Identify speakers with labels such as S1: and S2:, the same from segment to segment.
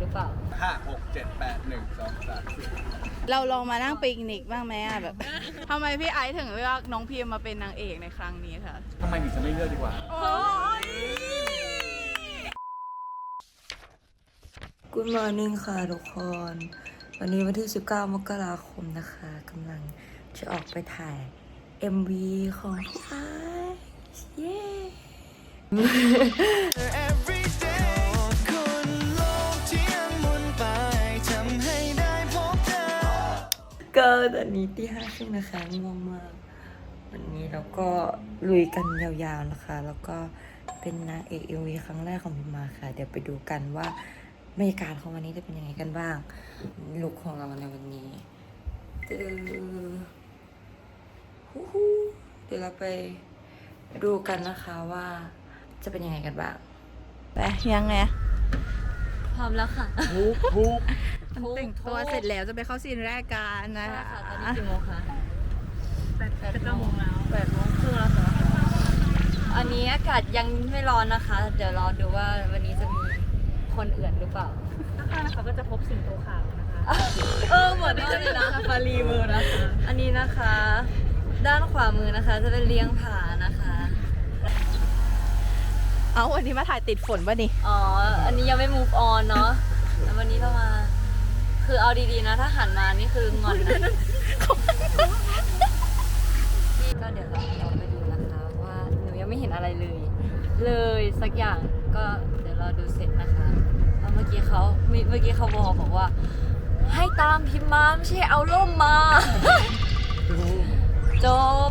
S1: รือเปล่า
S2: 5 6 7 8 1 2 3 4
S3: เราลองมานั่งปิกนิกบ้างไหมอะแบบ ทำไมพี่ไอซ์ถึงเลือกน้องพิมมาเป็นนางเอกในครั้งนี้คะ
S2: ทำไมถึงจะไม่เลือกดีกว่า
S4: Good morning ค่ะทุกคน วันนี้วันที่ 19 มกราคมนะคะกำลังจะออกไปถ่าย MV ของพี่ไอซ์เย้ ก็ตอนนี้ตี 5:30นะคะง่วงมาก วันนี้เราก็ลุยกันยาวๆนะคะ แล้วก็เป็นนางเอก MV ครั้งแรกของพิมมาค่ะ เดี๋ยวไปดูกันว่าบรรยากาศของวันนี้จะเป็นยังไงกันบ้างลุคของเราในวันนี้เดี๋ยวเราไปดูกันนะคะว่าจะเป็นยังไงกันบ้าง
S3: ไปยังไง
S1: พร้อมแล้วค่ะ
S3: แต่งตัวเสร็จแล้วจะไปเข้าซีนแรกกันนะ
S1: ใช่
S3: คะ
S1: ค่ะตอนนี้กี่โมงคะ8 โมงแล้ว8 โมงครึ่งแล้วค่ะอันนี้อากาศยังไม่ร้อนนะคะ เดี๋ยวรอดูว่าวันนี้จะมีคนเอื่นหรือเปล่าข้างๆนะคะก็จะพบสิงโตขาวนะคะเหมือนที่จะมีร้านซาฟารีมือนะคะอันนี้นะคะ ด้านขวามือนะคะ จะเป็นเลี้ยงผานะคะ
S3: เอาวันนี้มาถ่ายติดฝนป่ะนี่
S1: อ๋อ อันนี้ยังไม่ move on เนาะแล้ววันนี้เรามา คือเอาดีๆนะ ถ้าหันมานี่คืองอนนะนี่ก็เดี๋ยวเราไปดูนะคะว่าหนูยังไม่เห็นอะไรเลย เลยสักอย่างก็เดี๋ยวเราดูเสร็จนะคะแล้วเมื่อกี้เขาบอกว่า ให้ตามพิมพ์มาไม่ใช่เอาร่มมา จบ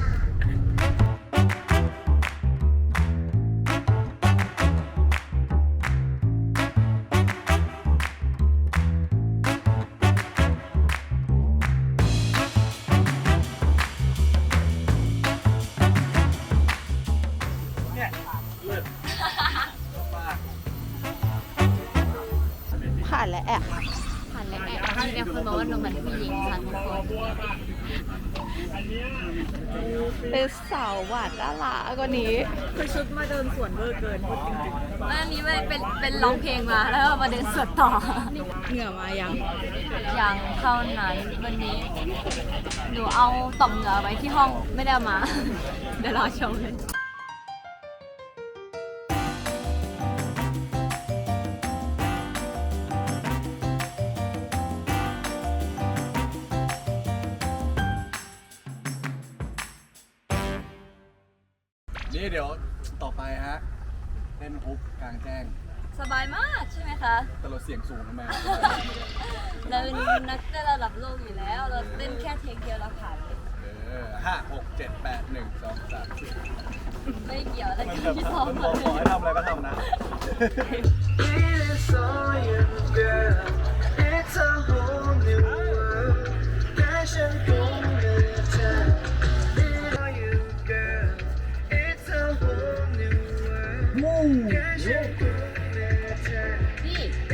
S3: ผ่านแล้วแอบ
S1: ผ่านแล้วแอบที่เนี่ยคนบอกว่าหนูเหมือนผู้หญิงค่ะทุกคน
S3: เป็นสาวหวานน่ารักกว่านี้
S1: คือชุดมาเดินสวนเวอร์เกินพูดจริงๆอันนี้ไม่เป็นร้องเพลงมาแล้วมาเดินสวนต่อ
S3: เหงื่อมายัง
S1: อย่างเท่านั้นวันนี้ หนูเอาต่อมเหงื่อไว้ที่ห้องไม่ได้เอามา เดี๋ยวรอชมเลย
S2: นี่เดี๋ยวต่อไปฮะเล่นฮุกกลางแจ้ง
S1: สบายมากใช่ไหมคะ
S2: แต่เราเสียงสูงทำไม
S1: เราเป็นนักเต้นระดับโลกอยู่แล้ว เราเต้นแค่เทคเดียวเราผ่านเลย
S2: 5 6 7 8 1 2 3 4
S1: ไม่เกี่ยวอะไร
S2: มัน
S1: กับ
S2: แบบ
S1: ที่ซ้อม
S2: มันบ
S1: มา
S2: อก
S1: เล
S2: ขอให้
S1: ย
S2: ทำอะไรก็ทำนะ
S1: พี่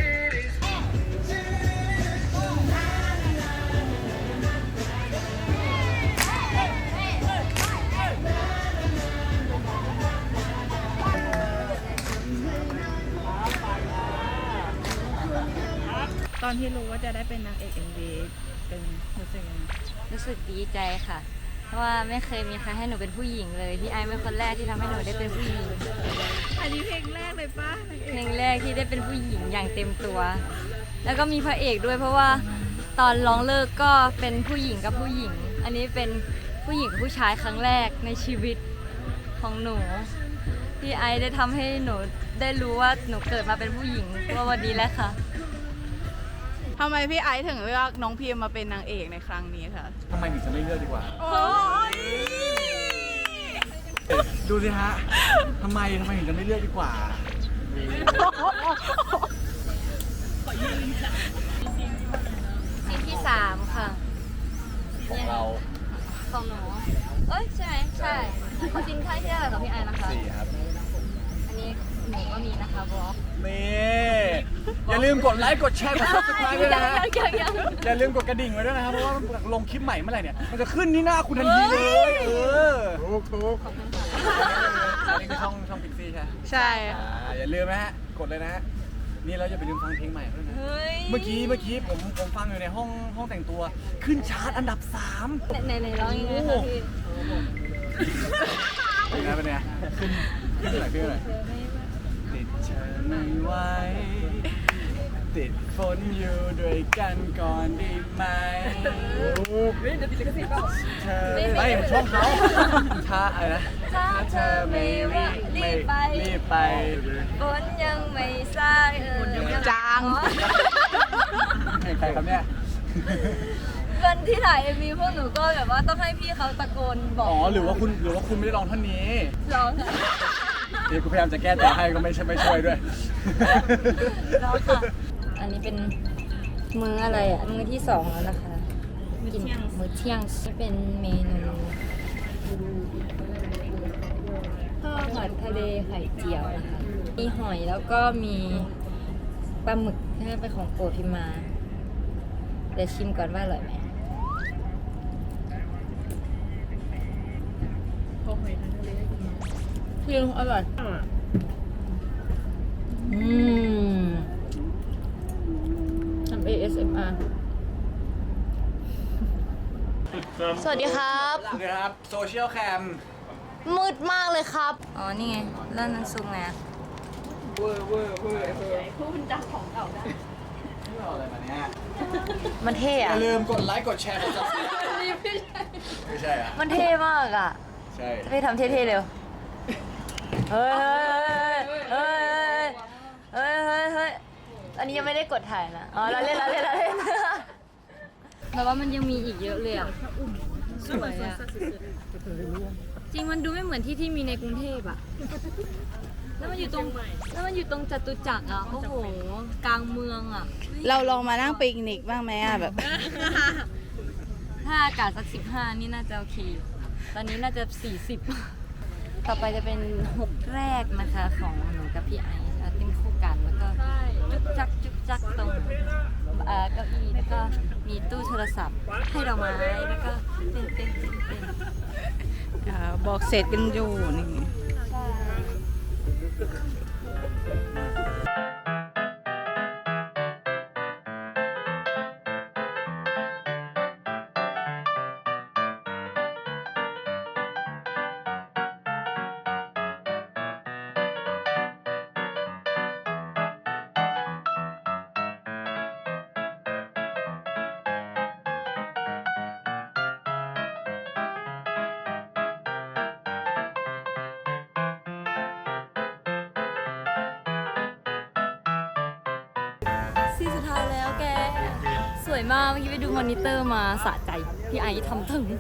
S3: ตอนที่รู้ว่าจะได้เป็นนางเอก MV เป็นรู้สึกยังไง
S1: รู้สึกดีใจค่ะ เพราะว่าไม่เคยมีใครให้หนูเป็นผู้หญิงเลยพี่ไอซ์เป็นคนแรกที่ทำให้หนูได้เป็นผู้หญิง
S3: อันนี้เพลงแรกเลยป่ะ
S1: เพลงแรกที่ได้เป็นผู้หญิงอย่างเต็มตัว แล้วก็มีพระเอกด้วยเพราะว่าตอนร้องเลิกก็เป็นผู้หญิงกับผู้หญิง อันนี้เป็นผู้หญิงกับผู้ชายครั้งแรกในชีวิตของหนูพี่ไอซ์ได้ทำให้หนูได้รู้ว่าหนูเกิดมาเป็นผู้หญิงว่าวันนี้แหละค่ะ
S3: ทำไมพี่ไอซ์ถึงเลือกน้องพิมมาเป็นนางเอกในครั้งนี้คะ
S2: ทำไมถึงจะไม่เลือกดีกว่า
S3: โอ้ย
S2: ดูสิฮะ ทำไมถึงจะไม่เลือกดีกว่า
S1: ซีนที่ 3 ค่ะ
S2: ของเรา
S1: ของหนูเอ้ยใช่ไหมใช่ของซีนที่ได้กับพี่ไอซ์นะคะ
S2: 4 ครับ
S1: อันนี้หนูก็มีนะคะบล็อก
S2: นี่อย่าลืมกดไลค์กดแชร์กด subscribe ด้วยนะฮะ
S1: ยัง
S2: อย่าลืมกดกระดิ่งไว้ด้วยนะครับเพราะว่าลงคลิปใหม่เมื่อไหร่เนี่ยมันจะขึ้นที่หน้าคุณทันทีเลยถูกอันนี้คือช่องพิกซี่ใช่ไหม
S3: ใช่
S2: อย่าลืมนะฮะกดเลยนะฮะนี่เราจะไปลืมฟังเพลงใหม่ด้วยนะ
S1: เฮ้ย
S2: เมื่อกี้ผมฟังอยู่ในห้องแต่งตัวขึ้นชาร์ตอันดับ 3
S1: ในร้องยังไงคะพี่
S2: เป็นไงขึ้นอะไรติดเธอไม่ไหวติดฝนอยู่ด้วยกันก่อนดีไหมเดี๋ยวติดลิขสิทธิ์เปล่าเธอไม่ช่องเขาถ้าอะไรนะถ้าเธอไม่รีบไป
S1: ฝนยังไม่ซา
S3: จาง
S2: ใครครับเนี่ย
S1: วันที่ถ่าย MV พวกหนูก็แบบว่าต้องให้พี่เขาตะโกนบอก
S2: อ๋อหรือว่าคุณไม่ได้ร้องท่อนนี้
S1: ร้องค่ะ
S2: เดี๋ยวกูพยายามจะแก้ตัวให้ก็ไม่ช่วยด้วย
S1: ร้องค่ะ อันนี้เป็นมื้ออะไรอ่ะ มื้อที่ 2 แล้วนะคะ กินมื้อเที่ยงนี่เป็นเมนูข้าวผัดทะเลไข่เจียวนะคะ มีหอยแล้วก็มีปลาหมึกที่เป็นของโปรดพิมมา เดี๋ยวชิมก่อนว่าอร่อยไหมคืออร่อยทำ ASMR สวัสดีครับ
S2: สวัสดีครับโซเชียลแคม
S1: มืดมากเลยครับ อ๋อ นี่ไงเล่นนั้นซูมไง
S2: เวอร์ผู้บัญชาของเก่าได้ไม่เอาอะไรมาเนี่ย
S1: มันเท่
S2: อย่า
S1: อะ
S2: ลืมกดไลค์กดแชร์กด subscribe ไม่ใช่อ่ะ
S1: มันเท่มากอะ
S2: ใช่
S1: จะไปทำเท่ๆเร็ว เฮ้ยอันนี้ยังไม่ได้กดถ่ายนะ อ๋อเราเล่นแต่ว่ามันยังมีอีกเยอะเลยอ่ะสวยอ่ะ จริงมันดูไม่เหมือนที่มีในกรุงเทพอ่ะ แล้วมันอยู่ตรงจตุจักรอ่ะ โอ้โห กลางเมืองอ่ะ
S3: เราลองมานั่งปิกนิกบ้างไหมอะแบบ
S1: ถ้าอากาศสัก 15 นี่น่าจะโอเคอยู่ตอนนี้น่าจะ 40 ต่อไปจะเป็น6แรกนะคะของหนูกับพี่ไอซ์เต้นคู่กันแล้วก็จุกจักตรงเก้าอี้แล้วก็มีตู้โทรศัพท์ให้ดอกไม้แล้วก็เต้น
S3: บอกเสร็จกันอยู่นี่
S1: ใช่ ซีสุดท้ายแล้วแก สวยมากเมื่อกี้ไปดูมอนิเตอร์มาสะใจ พี่ไอซ์ทำถึง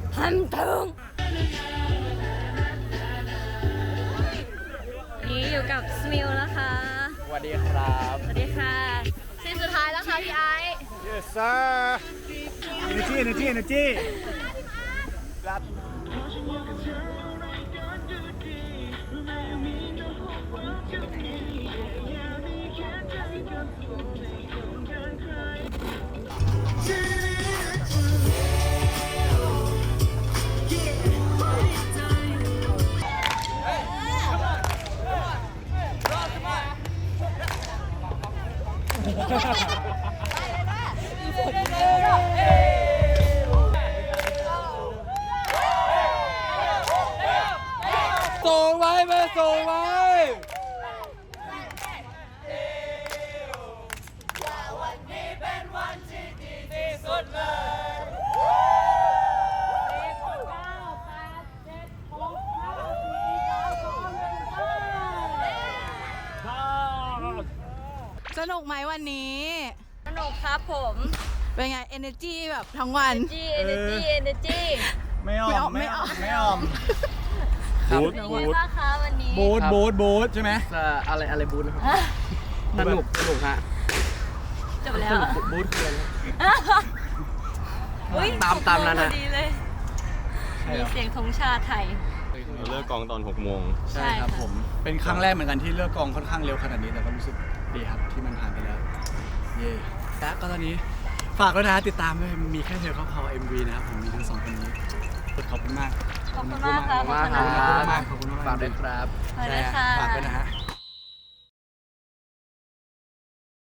S1: นี่อยู่กับสมิลนะคะ
S2: สวัสดีครับ
S1: สวัสดีค่ะซีสุดท้ายแล้วค่ะพี่ไอซ์
S2: Yes sir energy รับ ส่งไว้มาส่งไว้
S3: สนุกไหมวันนี้
S1: สนุกครับผม
S3: เป็นไง energy แบบทั้งวัน
S1: energy
S2: ไม่ออม
S3: ไม่ออม
S2: บูธ
S1: เป็นไงบ้างคะวันนี้
S2: บูธใช่ไหม
S5: อะไรบูธนะครับสนุกฮะ
S1: จบแล้ว
S5: บูธคืออะไรนะ
S1: อุ๊ย
S5: ตามนั้น
S1: พ
S5: นะ
S1: อดีเลย มีเสียงธงชาติไทย
S6: เราเลิกกองตอน 6 โมง
S2: ใช่ครับผม เป็นครั้งแรกเหมือนกันที่เลิกกองค่อนข้างเร็วขนาดนี้แต่ก็รู้สึกดีครับที่มันผ่านไปแล้ว เย่และก็ตอนนี้ฝากด้วยนะติดตามด้วยมีแค่เธอเขาพอ MV นะครับผมมีทั้งสองคนนี้ขอบคุณมาก
S1: ขอบคุณมากค่ะ
S5: ขอบคุณมากครับ
S2: ขอบคุณมาก
S5: ฝากด้วยครับ
S1: สวัสดีค่ะ
S2: ฝากด้วยนะฮะ